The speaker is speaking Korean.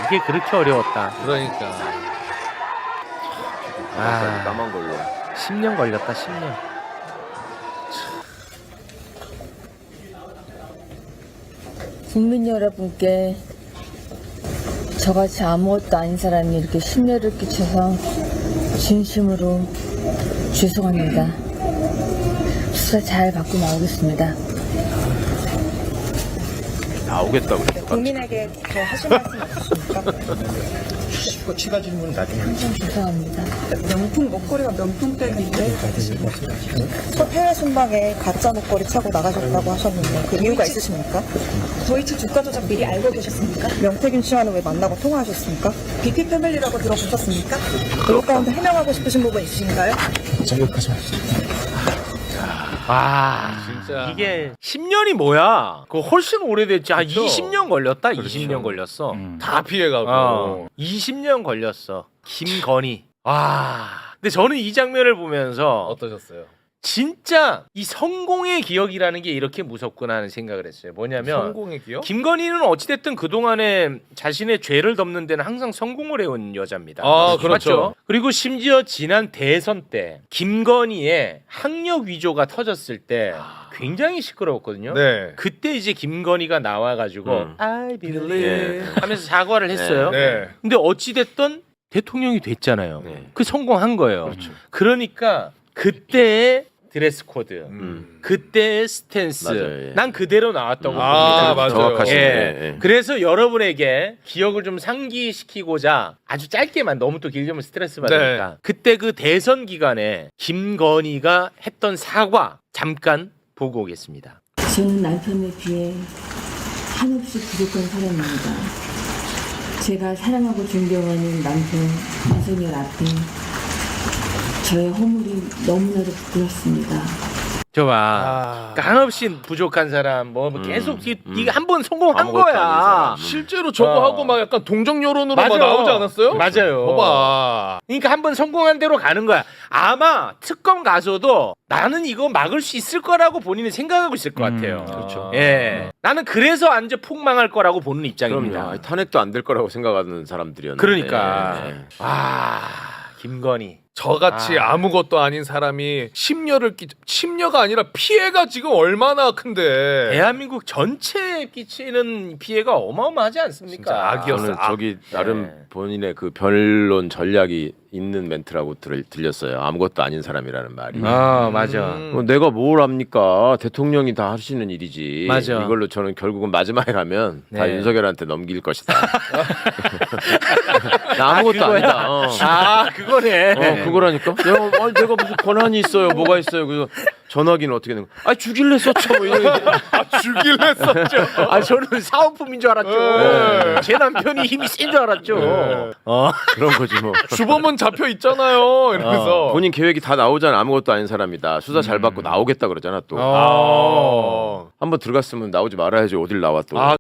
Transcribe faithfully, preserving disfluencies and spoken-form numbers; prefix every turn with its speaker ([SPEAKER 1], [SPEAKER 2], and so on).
[SPEAKER 1] 이게 그렇게 어려웠다.
[SPEAKER 2] 그러니까.
[SPEAKER 1] 아,
[SPEAKER 3] 까만 걸로.
[SPEAKER 1] 십 년 걸렸다. 십 년.
[SPEAKER 4] 국민 여러분께 저같이 아무것도 아닌 사람이 이렇게 심려를 끼쳐서 진심으로 죄송합니다. 수사 잘 받고 나오겠습니다.
[SPEAKER 3] 나오겠다고 그래.
[SPEAKER 5] 국민에게 더 하실 말씀 없으십니까?
[SPEAKER 6] 그 추가 질문 나중에
[SPEAKER 4] 항상 죄송합니다.
[SPEAKER 5] 명품 목걸이가 명품백인데 첫 해외 순방에 가짜 목걸이 차고 나가셨다고 하셨는데 그 이유가 있으십니까? 도이치 주가 조작 미리 알고 계셨습니까? 명태균 씨와는 왜 만나고 통화하셨습니까? 비피 패밀리라고 들어보셨습니까? 그것 가운데 해명하고 싶으신 부분 있으신가요?
[SPEAKER 6] 자, 여기까지 마시죠.
[SPEAKER 1] 아,
[SPEAKER 2] 진짜.
[SPEAKER 1] 이게 십 년이 뭐야? 그거 훨씬 오래됐지. 한
[SPEAKER 2] 그쵸?
[SPEAKER 1] 이십 년 걸렸다.
[SPEAKER 2] 그렇죠.
[SPEAKER 1] 이십 년 걸렸어.
[SPEAKER 6] 음.
[SPEAKER 2] 다 피해가고.
[SPEAKER 1] 어, 이십 년 걸렸어. 김건희. 와. 근데 저는 이 장면을 보면서
[SPEAKER 2] 어떠셨어요?
[SPEAKER 1] 진짜 이 성공의 기억이라는 게 이렇게 무섭구나 하는 생각을 했어요. 뭐냐면
[SPEAKER 2] 성공의 기억?
[SPEAKER 1] 김건희는 어찌됐든 그동안에 자신의 죄를 덮는 데는 항상 성공을 해온 여자입니다.
[SPEAKER 2] 아, 그렇죠.
[SPEAKER 1] 맞죠? 그리고 심지어 지난 대선 때 김건희의 학력 위조가 터졌을 때 굉장히 시끄러웠거든요.
[SPEAKER 2] 네.
[SPEAKER 1] 그때 이제 김건희가 나와가지고
[SPEAKER 3] 음.
[SPEAKER 1] I believe
[SPEAKER 3] 예.
[SPEAKER 1] 하면서 사과를 했어요.
[SPEAKER 2] 네.
[SPEAKER 1] 근데 어찌됐든 대통령이 됐잖아요.
[SPEAKER 3] 네.
[SPEAKER 1] 그 성공한 거예요.
[SPEAKER 3] 그렇죠.
[SPEAKER 1] 그러니까 그때의 드레스 코드,
[SPEAKER 2] 음.
[SPEAKER 1] 그때의 스탠스,
[SPEAKER 3] 맞아요, 예.
[SPEAKER 1] 난 그대로 나왔다고
[SPEAKER 2] 아,
[SPEAKER 1] 봅니다.
[SPEAKER 2] 맞아요.
[SPEAKER 3] 정확하시네.
[SPEAKER 1] 예.
[SPEAKER 3] 예.
[SPEAKER 1] 그래서 여러분에게 기억을 좀 상기시키고자 아주 짧게만, 너무 또 길면 스트레스 받으니까
[SPEAKER 2] 네.
[SPEAKER 1] 그때 그 대선 기간에 김건희가 했던 사과 잠깐 보고 오겠습니다.
[SPEAKER 4] 저는 남편에 비해 한없이 부족한 사람입니다. 제가 사랑하고 존경하는 남편 윤석열 앞에 저의 허물이 너무나도 부끄럽습니다.
[SPEAKER 1] 저봐,
[SPEAKER 2] 아.
[SPEAKER 1] 그러니까 한없이 부족한 사람, 뭐, 뭐
[SPEAKER 3] 음,
[SPEAKER 1] 계속 이-
[SPEAKER 3] 음.
[SPEAKER 1] 네가 한 번 성공한
[SPEAKER 3] 아무것도 아닌
[SPEAKER 1] 거야.
[SPEAKER 3] 사람.
[SPEAKER 2] 실제로 저거
[SPEAKER 1] 어.
[SPEAKER 2] 하고 막 약간 동정 여론으로 막
[SPEAKER 1] 맞아.
[SPEAKER 2] 나오지 않았어요?
[SPEAKER 1] 맞아요.
[SPEAKER 2] 봐봐.
[SPEAKER 1] 그러니까 한 번 성공한 대로 가는 거야. 아마 특검 가서도 나는 이거 막을 수 있을 거라고 본인은 생각하고 있을 것 같아요.
[SPEAKER 3] 음, 그렇죠.
[SPEAKER 1] 예, 나는 그래서 완전 폭망할 거라고 보는 입장입니다.
[SPEAKER 3] 그럼요. 아니, 탄핵도 안 될 거라고 생각하는 사람들이었는데.
[SPEAKER 1] 그러니까
[SPEAKER 3] 예.
[SPEAKER 1] 아, 김건희.
[SPEAKER 2] 저같이
[SPEAKER 1] 아.
[SPEAKER 2] 아무것도 아닌 사람이 심려를 끼 심려가 아니라 피해가 지금 얼마나 큰데.
[SPEAKER 1] 대한민국 전체에 끼치는 피해가 어마어마하지 않습니까?
[SPEAKER 2] 진짜 악이었어.
[SPEAKER 3] 저는
[SPEAKER 2] 아,
[SPEAKER 3] 저기 나름
[SPEAKER 1] 네.
[SPEAKER 3] 본인의 그 변론 전략이 있는 멘트라고 들, 들렸어요. 아무것도 아닌 사람이라는 말이.
[SPEAKER 1] 아, 맞아.
[SPEAKER 2] 음.
[SPEAKER 3] 뭐 내가 뭘 합니까? 대통령이 다 하시는 일이지.
[SPEAKER 1] 맞아.
[SPEAKER 3] 이걸로 저는 결국은 마지막에 가면 다
[SPEAKER 1] 네.
[SPEAKER 3] 윤석열한테 넘길 것이다. 나 아무것도
[SPEAKER 1] 아, 그거야?
[SPEAKER 3] 아니다. 어.
[SPEAKER 1] 아, 그거네.
[SPEAKER 3] 어, 그거라니까. 내가, 아니, 내가 무슨 권한이 있어요? 뭐가 있어요? 그래서 전화기는 어떻게 된 거야? 아, 주길래 썼죠. 뭐 이런
[SPEAKER 2] 아, 주길래 썼죠.
[SPEAKER 1] 아, 저는 사은품인 줄 알았죠.
[SPEAKER 2] 네.
[SPEAKER 1] 제 남편이 힘이 센 줄 알았죠.
[SPEAKER 2] 네.
[SPEAKER 1] 어.
[SPEAKER 3] 그런 거지 뭐.
[SPEAKER 2] 주범은 잡혀 있잖아요. 이러면서.
[SPEAKER 3] 본인 계획이 다 나오잖아. 아무것도 아닌 사람이다. 수사 잘 받고 나오겠다 그러잖아 또.
[SPEAKER 2] 아.
[SPEAKER 3] 한번 들어갔으면 나오지 말아야지. 어딜 나와 또.
[SPEAKER 1] 아,